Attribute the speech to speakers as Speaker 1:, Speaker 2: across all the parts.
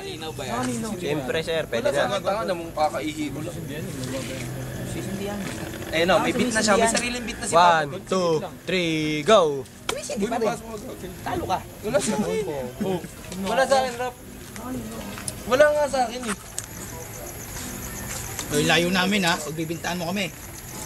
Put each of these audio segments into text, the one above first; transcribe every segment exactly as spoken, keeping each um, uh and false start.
Speaker 1: Nakakalinaw ba yan?
Speaker 2: Siyempre, sir. Pwede
Speaker 3: Wala
Speaker 2: na.
Speaker 3: sa tanga na mong kakaihi ko lang.
Speaker 1: Sisindihan.
Speaker 3: Eh no, may beat na siya. May sariling beat na si
Speaker 2: One,
Speaker 3: Papa.
Speaker 2: two, three, go!
Speaker 1: Hindi pa rin. Talo ka.
Speaker 3: Wala sa akin. Oh. Wala sa akin, rap. Wala nga sa akin eh.
Speaker 1: Oy, layo namin ha. Pagbibintaan mo kami.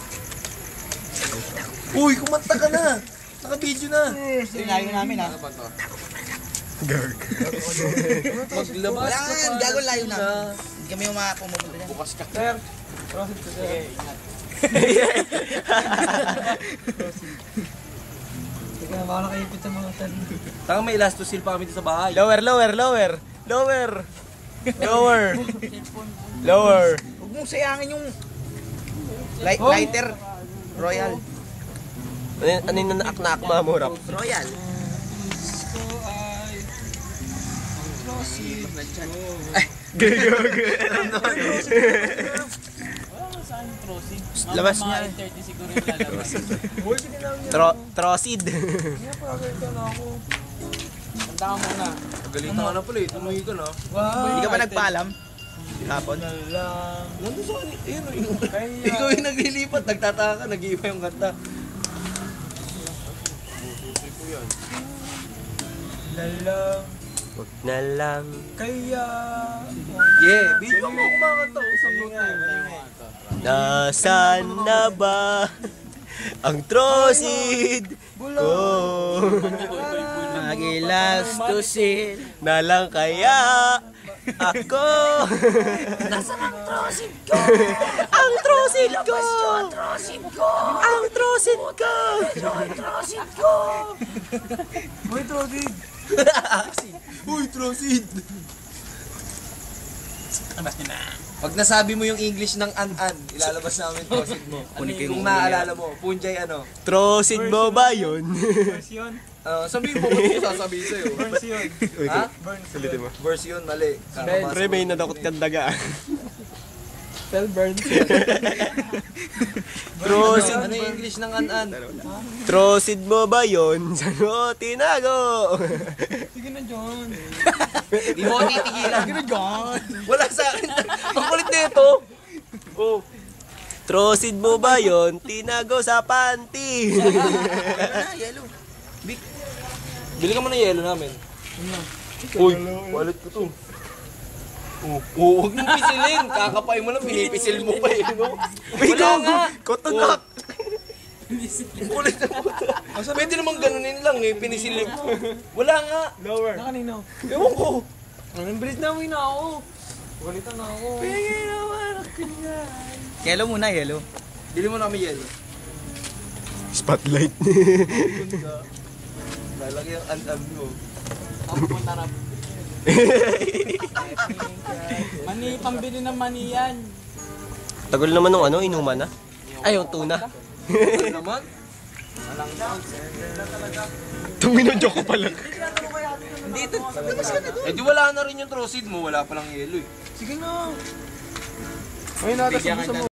Speaker 3: Uy, kumanta ka na. Naka-video na.
Speaker 1: Oy, layo namin ha.
Speaker 2: Garg.
Speaker 3: Maglabas
Speaker 1: Wala
Speaker 3: ka
Speaker 1: nga,
Speaker 3: pa.
Speaker 1: gago layo namin. Hindi kami yung mga pumupunta dyan.
Speaker 3: Bukas ka.
Speaker 4: Sir, proceed ko sir. Teka, baka nakaipit sa mga tan.
Speaker 3: Tanga may elastosil pa kami dito sa bahay.
Speaker 2: Lower, lower, lower. Lower. Lower. Lower.
Speaker 1: Huwag mong sayangin yung light, lighter. Royal.
Speaker 2: Ano yun- ano yung naak-naak mga mo, rap?
Speaker 1: Royal.
Speaker 2: Labas niya. Tro Trosid.
Speaker 4: Kaya pa agad na ako.
Speaker 3: Galitan ka na pala eh. Tumuhi ka na.
Speaker 4: Wow.
Speaker 1: Hindi ka pa nagpaalam? Hapon?
Speaker 3: Nandun sa kanil. Ayun o yung...
Speaker 4: Kaya.
Speaker 3: Ikaw yung naglilipat. Nagtataka ka. Nag-iiba yung kanta.
Speaker 4: Lalang.
Speaker 2: Wag na lang.
Speaker 4: Kaya.
Speaker 3: Yeah. Video mo kumakanta. Usang mo tayo.
Speaker 2: Nasaan na ba ang Trosid ko?
Speaker 1: Magilastusin.
Speaker 2: Na lang kaya ako.
Speaker 1: Nasaan ang trosid ko?
Speaker 2: Ang Trosid ko!
Speaker 1: Ang trosid ko!
Speaker 2: Ang Trosid ko!
Speaker 1: Ang trosid ko!
Speaker 4: Uy, Trosid.
Speaker 3: Uy, Trosid! Pag nasabi mo yung English ng an-an, ilalabas namin Trosid mo. Kung naaalala mo, Punjay ano.
Speaker 2: Trosid mo ba yun?
Speaker 4: Version.
Speaker 3: Uh, sabihin mo, ba't ko sasabihin sa'yo?
Speaker 4: Version.
Speaker 3: Ha?
Speaker 2: Ulitin mo.
Speaker 3: Version, mali.
Speaker 2: Pre, may nadakot kang daga.
Speaker 4: Spell burn.
Speaker 2: Trosid,
Speaker 3: Ano yung English ng an-an?
Speaker 2: Trosid mo ba yun? Saan mo tinago?
Speaker 4: Sige na, John.
Speaker 3: Di mo ako titigilan.
Speaker 1: Ano John?
Speaker 3: Wala sa akin. Ang kulit na ito. Oh.
Speaker 2: Trosid mo ba yun? Tinago sa panty.
Speaker 1: Ano yellow?
Speaker 3: Bili ka mo ng yelo namin. Uy, wallet ko to. Oh, oh, huwag mong pisilin. Kakapay mo lang, pinipisil mo pa eh. No? Wala nga.
Speaker 2: Kotonak.
Speaker 3: Ang kulit na puta. Pwede naman ganunin lang eh, pinisilin mo. Wala nga.
Speaker 2: Lower.
Speaker 4: Na kanino?
Speaker 3: Ewan ko.
Speaker 4: Anong bilis na uwi na ako. Galitan na ako.
Speaker 1: Yellow muna, yellow.
Speaker 3: Bili mo na kami yelo.
Speaker 2: Spotlight.
Speaker 3: Lalaki ang an-an mo.
Speaker 4: Ako punta na. Mani, pambili ng mani yan.
Speaker 2: Tagal naman ng ano, inuman na. Ay, yung tuna.
Speaker 3: Ano naman?
Speaker 2: Tumino joke ko pala.
Speaker 1: Hindi ito.
Speaker 3: Eh di wala na rin yung Trosid mo, wala palang yelo eh.
Speaker 4: Sige na. Ay, nata sa